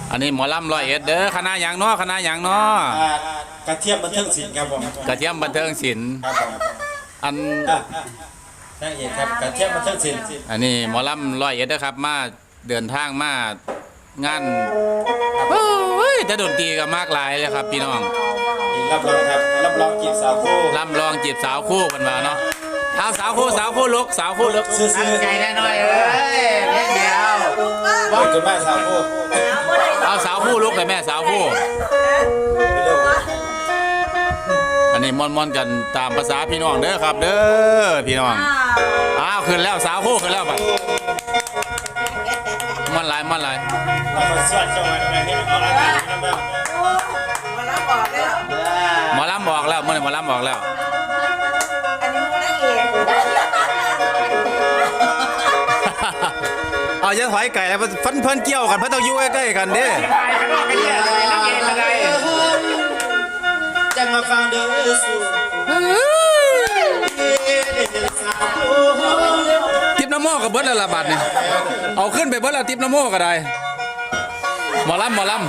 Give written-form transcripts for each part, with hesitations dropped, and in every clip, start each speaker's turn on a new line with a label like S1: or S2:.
S1: อันนี้หมอลำ101เด้อคณะหยังเนาะคณะหยังเนาะ
S2: กระเทียมบันเทิงศิลป์ครับผม
S1: กระเทียมบันเทิงศิลป์
S2: ครับผม
S1: อัน
S2: นางเอกครับกระเทียมบันเทิงศิลป์
S1: อันนี้หมอลำ101เด้อครับมาเดินทางมางานโอ้ยแต่ดนตรีก็มากหลายเลยครับพี่น้อง
S2: รับรองครับรับรองจีบสาวคู่
S1: รับรองจีบสาวคู่กันมาเนาะเอาสาวคู่ลุกสาวคู่ลุก
S2: ซื้อ
S3: ใจแน่นอนเอ้ยเพียงเดียว
S2: บอกกันมาสาวคู่
S1: เอาสาวคู่ลุกเลยแม่สาวคู่อันนี้ม่อนกันตามภาษาพี่น้องเด้อครับเด้อพี่น้องอ้าวขึ้นแล้วสาวคู่ขึ้นแล้วบัดม่อนหลาย
S2: มาสวดจังหวัดอะไรนี่ออกอากาศนะ
S1: หมอลำบอกแล้วเมื่อไหร่หมอลำบอกแล้วเอาจะถอยไก่แล้วฟันเพิ่นเกี่ยวกันเพิ่นต้องอยู่ใกล้ๆกันดิ
S2: จังมาฟังเด้อสู
S1: ทิปน้ำโมกับเบิร์ดละบาทนี่เอาขึ้นไปเบิร์ดละทิปน้ำโมก็ได้หมอลำ
S2: ลูกกัน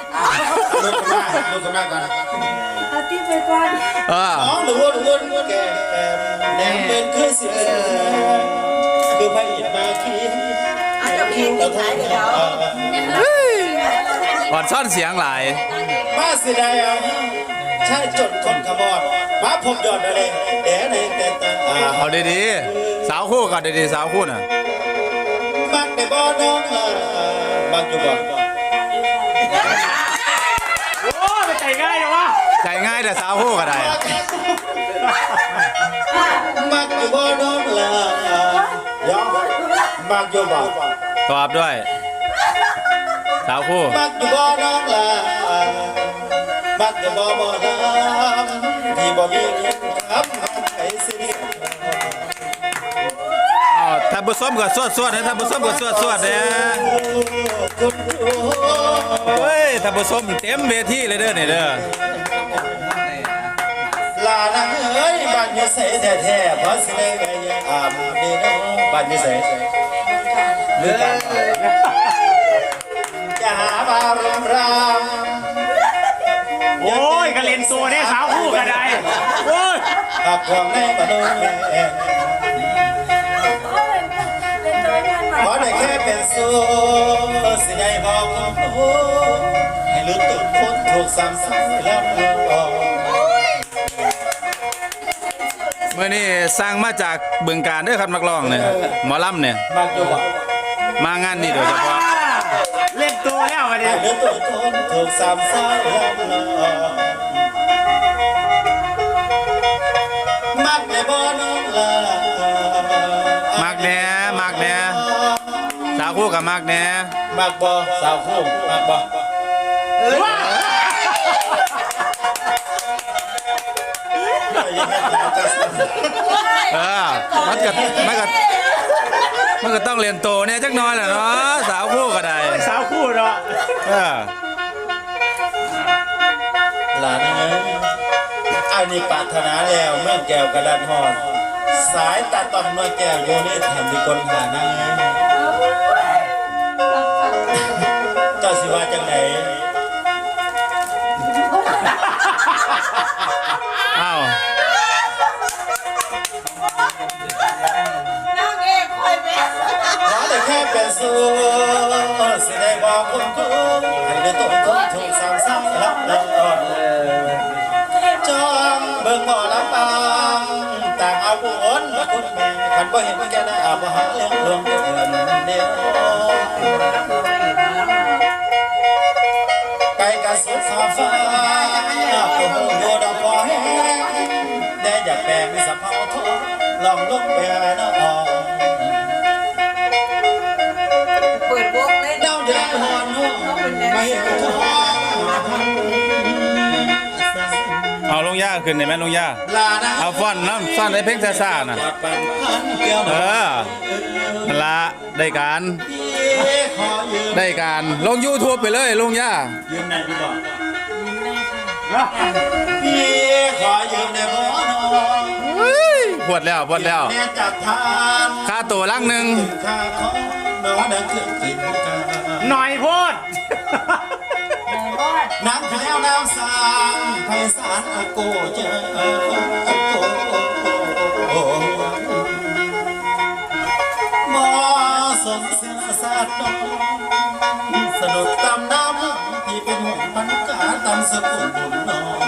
S2: มาก่อน
S4: เอาทิปไปก่อน
S2: น้องหรือวนแกแดงเป็นคือเสียคือพระอินทร์มาคี
S4: อาจจะพีติดไหนเดี๋ยว
S1: อ่อนซ่อนเสียงหลาย
S2: มาเสียดายใช่จนคนขมอดมาพบยอดอะไรเอ๋ในแต่ตา
S1: เอาดีๆสาวคู่ก่อนดีๆสาวคู่น่ะ
S2: บักในบ่อน้องบักอยู่บ่
S3: โอ้ไปใจง่ายเลยวะ
S1: ใจง่ายแต่สาวคู่ก็ได้
S2: บักอยู่บ่อน้องยอมบักอยู่บ่
S1: ตอบด้วยสาวคู่
S2: บักอยู่บ่อน้องบักอยู่บ่น้ำที่บ่มีเงินครับไอ้สิ
S1: ถ้าบุษมก็สวดนะถ้าบุษมก็สวดเนี่ยเฮ้ยถ้าบุษมเต็มเวทีเลยเด้อเนี่ยเด้อ
S2: ลานังเอ้ยบ้านอยู่ใส่แท้ๆเพราะสิได้ไงดีน้องบ้านอยู่ใส่เลือจะหาบารมราม
S3: โอ้ยกระเล่นตัวเนี่ยสาวคู่กันได้โอ้ย
S2: ขับความในบ้านขอได้แค่เป็นสู้สิได้บอกให้ลืมตุ่นคนถูกซ้ำแล้ว
S1: เมื่อนี้สร้างมาจากบึงการด้วยครับนักร้องเนี่ยหมอลำเนี่ยมางานนี่โดยเฉพาะ
S3: เล่นตัวแล้วกันเนี่ย
S2: ลืมตุ่นคนถูกซ้ำแล้วมักในบ่อน้องลาม
S1: ากแน่สาวคู่กับมากแน่
S2: มักบ่สาวคู่มักบ่
S1: มันก็ต้องเรียนโตเนี่ยจักน้อยแหละเนาะสาวคู่ก็ได้
S3: สาวคู่เนาะ
S2: หลานอันนี้ปรารถนาแล้วเมื่อแก้วกระดานหอดสายตาตอนเมื่อแก้วโยนี่ทำดีคนหาหน้าเจ้าสิว่าจังไหน
S1: อ้าว
S4: นางเอกคอยเป็น
S2: ขอได้แค่เป็นสู้สิได้บอกคนคุ้มให้ได้ต้นคนถูกซ้ำซ้ำรับรองจองเบิ่งบ่อลำบางต่างเอาผู้อ้นมาคุณแม่ขันบ่เห็นแก่ได้อาบหาเลี้ยงรวมเดือนเดียวไก่กระสุนฟ้าฟ้าผู้โยดอกบ่อแห้งได้อยากแบ่งสะเพาทองลองลุกไปหาน้อง
S4: เปิดวงเลย
S2: เดาเดือดหอนหัวไม่ทอง
S1: เอาลงย่าขึ้นได้ไหมลงย่าเอาฟ้อนน้ำฟ้อนได้เพลงซ่าๆน่ะละได้การลง YouTube ไปเลยลงย่า
S2: ยืมไหนพี่บอกพี่ขอยืมในบ่อน้อง
S1: ปวดแล้ว
S2: แม่จัดทาน
S1: ค่าตัวลังหนึ่ง
S2: ค่าของน้องเดินขึ้นกินกัน
S3: หน่อยพูด
S2: น้ำแก้วน้ำสางไพศาลอาโกเจออาโกบ่สมเสือสาดดอกสนุกตำน้ำที่เป็นหุ่นพันกาตำสกุลบุญน้อย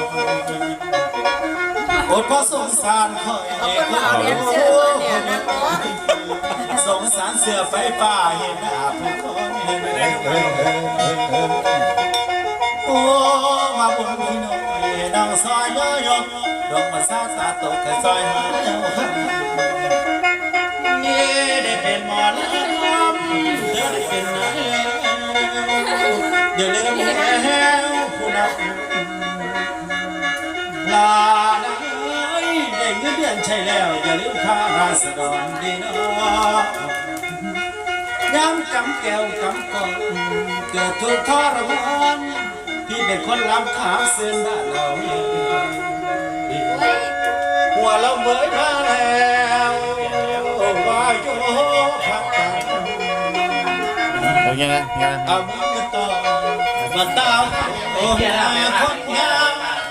S2: อดเพราะสงสารคอย
S4: เอาคนมาเอาเลี้ยงเสื้อตัวเนี่ยนะเนาะ
S2: สงสารเสือไฟฟ้าเห็นหน้าผู้คนโอ้มาบนพี่น้อยดังซอยยกดอกมาซาตาตกแค่ซอยหาเจ้านี่ได้เป็นหมอลำเธอได้เป็นนายเดี๋ยวเริ่มแล้วผู้นับลาได้เงินเดือนใช่แล้วอย่าลืมค่าราษฎรดีเนาะย้ำกำแก้วกำก่อนเกิดทุกข์ทรมานพี่เป็นคนลำขาเส้นบ้านเราหัวเราเมื่อยมาแล้วว่าโยพักกัน
S1: เอายังไงยังไง
S2: เอามือต่อมาตามโอ้ยคนงาม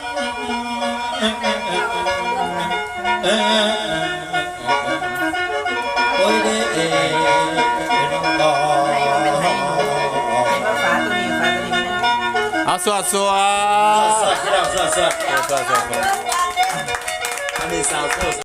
S2: โอ้ยเด้ต่อ
S4: มาฝาตัวนี้ฝาตัวนี้
S1: เอาสวดสวด
S2: สวัสดีครับสวัสดี
S1: สวดสวด
S2: อันนี้สาวโค